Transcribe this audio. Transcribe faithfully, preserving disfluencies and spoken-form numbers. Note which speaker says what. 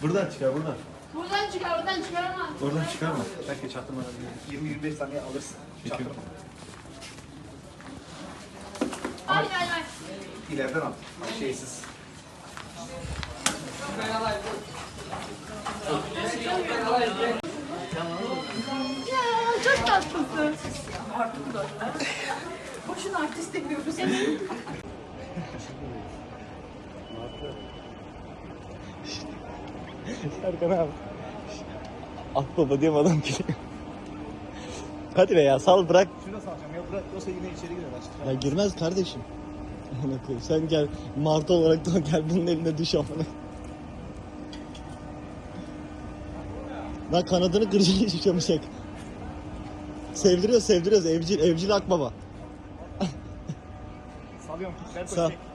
Speaker 1: Buradan çıkar buradan.
Speaker 2: Buradan çıkar, buradan çıkaramaz.
Speaker 1: Oradan çıkarma. Belki çaktırmadan.
Speaker 3: yirmi yirmi beş saniye alırsın. Çaktırma.
Speaker 2: Ay ay ay.
Speaker 3: İleriden al. Şeysiz.
Speaker 2: Ya çok tatlısın.
Speaker 4: Boşuna artist demiyoruz.
Speaker 5: Serkan abi. Akbaba diye adam geliyor. Hadi be ya sal bırak.
Speaker 3: Şunu salacağım ya bırak yoksa yine içeri girer açtık.
Speaker 5: Ya girmez kardeşim. Amına koyayım. Sen gel martı olarak da gel bunun eline düş amına. Lan kanadını kıracak hiç uçamayacak. Sevdiriyoruz sevdiriyoruz evcil evcil akbaba.
Speaker 3: Salıyorum. Ver
Speaker 5: Sağ.
Speaker 3: çek.